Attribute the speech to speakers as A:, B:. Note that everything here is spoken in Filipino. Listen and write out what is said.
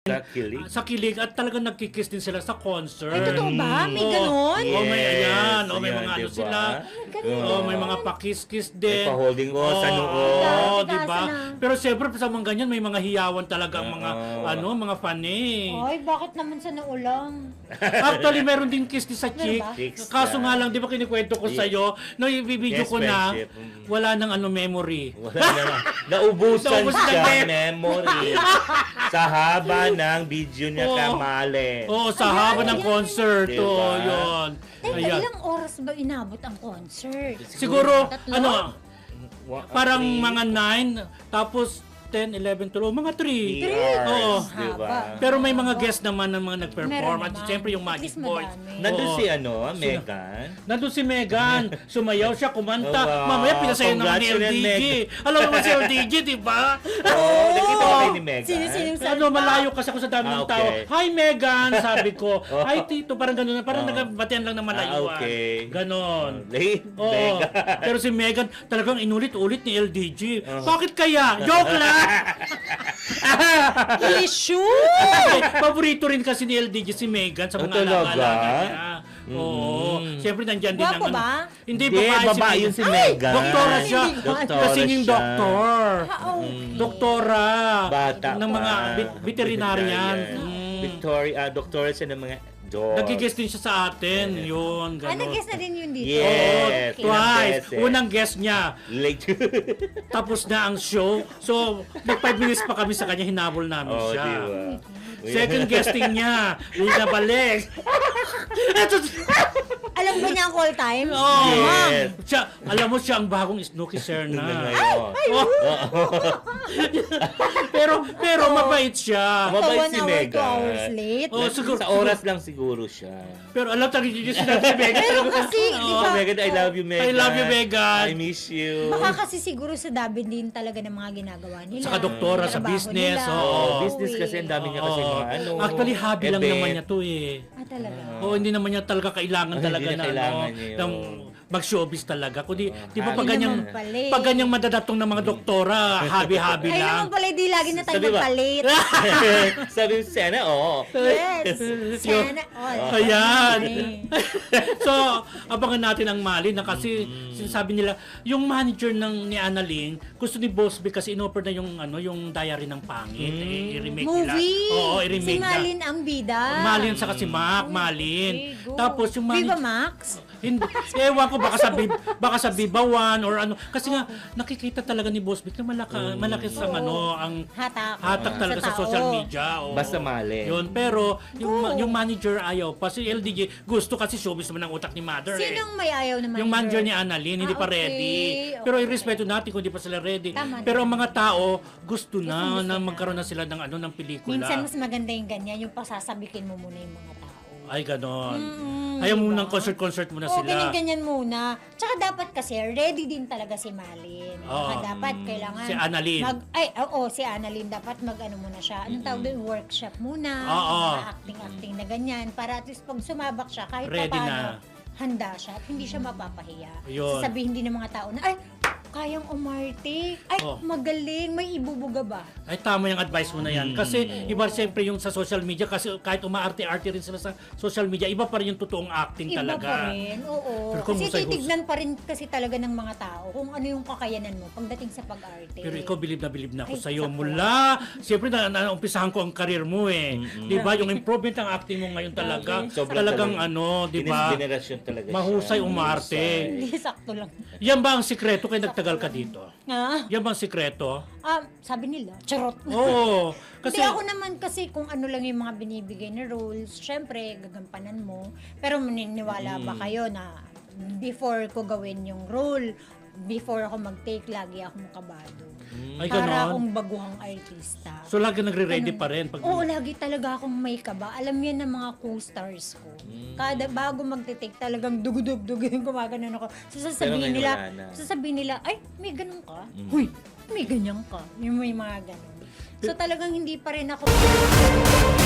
A: Sa kilig at talagang nagkikiss din sila sa concert.
B: Ay, totoo ba? May ganon?
A: Oh, may ayan. Oh, may
C: Ayan,
A: mga ano
C: diba?
A: sila. Oh, may mga pakiss-kiss
C: May
A: din.
C: pa-holding sa noo.
A: Oo,
B: Teka,
A: di ba?
B: asa na?
A: Pero siyempre sa mga ganyan may mga hiyawan talaga ang mga mga fan eh.
B: Ay, bakit naman sa naulang?
A: Actually, meron din kiss din sa
B: Meron
A: chick.
B: ba?
C: Chicks
A: Kaso
C: na.
A: nga lang, di ba kinikwento ko
C: Yeah.
A: sa'yo, no, i-video
C: Yes,
A: ko na,
C: friendship.
A: wala nang memory.
C: Wala na. Naubusan
A: Naubusan
C: siya
A: ng
C: memory sa haba ng video niya
A: Oo.
C: kamali.
A: Oo, sa haba ng
B: ayan.
A: concert.
C: Diba?
A: Oo, yun.
B: Teka,
A: Ayan.
B: ilang oras ba inabot ang concert?
A: Siguro,
B: Tatlo?
A: ano, parang
C: Three,
A: mga 9, tapos 10, 11, 12, mga 3.
C: 3
B: Three.
C: hours,
A: Oo.
C: diba?
A: Pero may mga guest naman ng mga nag-perform.
B: Meron
A: At
B: naman.
A: siyempre yung
B: At
A: Magic
B: least
A: Boys.
B: madami.
C: Nandun
A: Oo.
C: si Megan.
A: Nandun si Megan. Sumayaw siya, kumanta.
C: Oh, wow.
A: Mamaya pinasayo naman ni
C: Congratulations,
A: LDG. Alam mo naman si LDG, di ba?
C: Oo, nakita ko kayo ni Megan.
B: Sino-sinong
A: Ano, malayo kasi ako sa dami ng tao.
C: okay.
A: Hi, Megan! Sabi ko. Hi, Tito. Parang gano'n. Parang nagbatian lang ng malayuan.
C: Okay.
A: Ganon.
C: Late,
A: Oo.
C: Megan.
A: Pero si Megan talagang inulit-ulit ni LDG. Bakit kaya? Joke lang!
B: Issue!
A: Paborito rin kasi ni LDG si Megan sa mga
C: talaga?
A: alaga niya. Oo. Siyempre nandyan din
B: Guwapo
A: ang
B: ba?
A: Hindi,
C: Hindi,
A: babae
C: babae yun si Megan.
A: Doktora siya.
C: Doktora
A: Kasi yung
C: siya.
A: doktor.
B: Oo.
A: Doktora.
C: Bata
A: ng mga
C: pa.
A: veterinarian.
C: Doktora siya ng mga dogs.
A: Nagigest din siya sa atin. Yun,
B: Ah,
A: gano'n.
B: nag-guess na din yun dito.
C: Yes.
A: Oo, twice.
C: beses.
A: Unang guest niya.
C: Late.
A: Tapos na ang show. So, nag 5 minutes pa kami sa kanya, hinabol namin
C: Oh,
A: siya.
C: diba?
A: Second guesting niya, hindi na balik. Eto,
B: Alam ba niya ang call time?
A: oh,
C: Yes.
A: siya, alam mo siya ang bagong Snooki Serna.
C: Ngayon.
A: pero mabait siya.
C: Mabait
B: So, 1
C: si
B: hour, 2
C: Megan.
B: hours late.
A: Oh, siguro,
C: Sa oras lang siguro siya.
A: Pero alam talaga yung sinabi si Megan.
B: Pero kasi, di
C: Oh,
B: ba?
C: Megan, I love you, Megan.
A: I love you, Megan.
C: I miss you.
B: Baka kasi siguro sa dami din talaga ng mga ginagawa nila.
A: Saka doktora sa
B: Trabaho
A: business,
B: nila.
A: oo.
C: Business kasi ang dami niya kasi
A: Oo.
C: mga ano.
A: Actually, hobby lang
C: event.
A: naman niya to eh.
B: Ah, talaga.
A: Oo, hindi naman niya talaga kailangan
C: Hindi
A: talaga
C: niya
A: na
C: kailangan niya yun.
A: ng mag-showbiz talaga. Kundi, di ba pag
B: Hindi
A: ganyang,
B: naman pala eh.
A: pag ganyang madadatong ng mga doktora, hobby-hobby
B: Ay,
A: lang.
B: naman pala, di lagi na tayo
C: Sabi ba?
B: magpalit.
C: Sabi mo, sana, oo.
B: Yes. Sana all.
A: Ayan.
B: Okay.
A: So, abangan natin ang Mali na kasi sinasabi nila, yung manager ni Annalyn, gusto ni Boss B kasi inoffer na yung diary ng pangit. I-remake nila.
B: Movie.
A: Oo,
B: Si
A: i-remake na.
B: Malin ang bida.
A: Malin sa si Mac, Malin.
B: Okay, go.
A: Tapos yung
B: Viva
A: manager,
B: Max?
A: hindi, ewan ko baka sa Viva One or ano kasi nga nakikita talaga ni Boss Vic na malaki sa
B: Oo.
A: ang
B: Hatak
A: talaga sa
B: tao.
A: social media. Oo.
C: Basta mali.
A: Yun, pero
B: Go.
A: yung manager ayaw pa. Si LDG gusto kasi showbiz naman ang utak ni Mother.
B: Sinong may ayaw na
A: Yung manager
B: manager?
A: ni Annalyn, hindi pa
B: okay.
A: ready. Pero irespeto natin kung hindi pa sila ready.
B: Tama.
A: Pero ang mga tao, gusto na
B: Gusto
A: na
B: na.
A: magkaroon na sila ng pelikula.
B: Minsan mas maganda yung ganyan, yung pasasabikin mo muna yung mga tao.
A: Ay, ganon.
B: Mm,
A: Ayaw mo
B: diba?
A: ng concert muna
B: Oo,
A: sila.
B: ganyan muna. Tsaka dapat kasi, ready din talaga si Malin.
A: Oo.
B: Dapat kailangan...
A: Si Annalyn.
B: Si Annalyn. Dapat mag-ano muna siya. Anong tawag doon? Workshop muna.
A: Oo.
B: Mga acting-acting na ganyan. Para at least pag sumabak siya, kahit
A: Ready
B: paano,
A: na.
B: handa siya at hindi siya mapapahiya.
A: Yun.
B: Sasabihin din ng mga tao na, ay, kayang umarte. Ay,
A: Oh.
B: magaling. May ibubuga ba?
A: Ay, tama yung advice mo na yan. Kasi iba siyempre yung sa social media, kasi kahit umaarte-arte rin sila sa social media, iba pa rin yung totoong acting
B: Iba
A: talaga.
B: pa rin, oo.
A: Pero kung
B: Kasi
A: husay-husay-
B: titignan pa rin kasi talaga ng mga tao kung ano yung kakayanan mo pagdating sa pag-arte.
A: Pero ikaw, bilib na ako
B: Ay,
A: sa'yo.
B: sakto.
A: Mula, siyempre naumpisahan ko ang karir mo eh. Di ba? Yung improvement ng acting mo ngayon talaga,
C: Sobrang
A: talagang
C: talaga.
A: di ba?
C: Generasyon talaga siya.
A: Mahusay umarte.
B: Hindi, sakto lang.
A: Yan ba ang sikreto kaya nagtagal ka dito?
B: Ah,
A: Yan ba ang sikreto?
B: sabi nila, charot.
A: Oo. Kasi,
B: Hindi ako naman kasi kung ano lang yung mga binibigay na roles, syempre gagampanan mo. Pero maniniwala ba kayo na before ko gawin yung role, before ako mag-take, lagi akong kabado.
A: ay
B: Para
A: ganon.
B: akong baguhang artista.
A: So lagi nagre-ready pa rin. Pag,
B: Oo, lagi talaga akong may kaba. Alam yan ng mga co-stars ko. Kada bago magte-take, talagang dugudug-dug yung gumaganon ako. So
C: Pero ngayon wala na.
B: sasabihin nila, ay, may ganun ka? Huy, may ganyan ka. Yung may mga ganun. So talagang hindi pa rin ako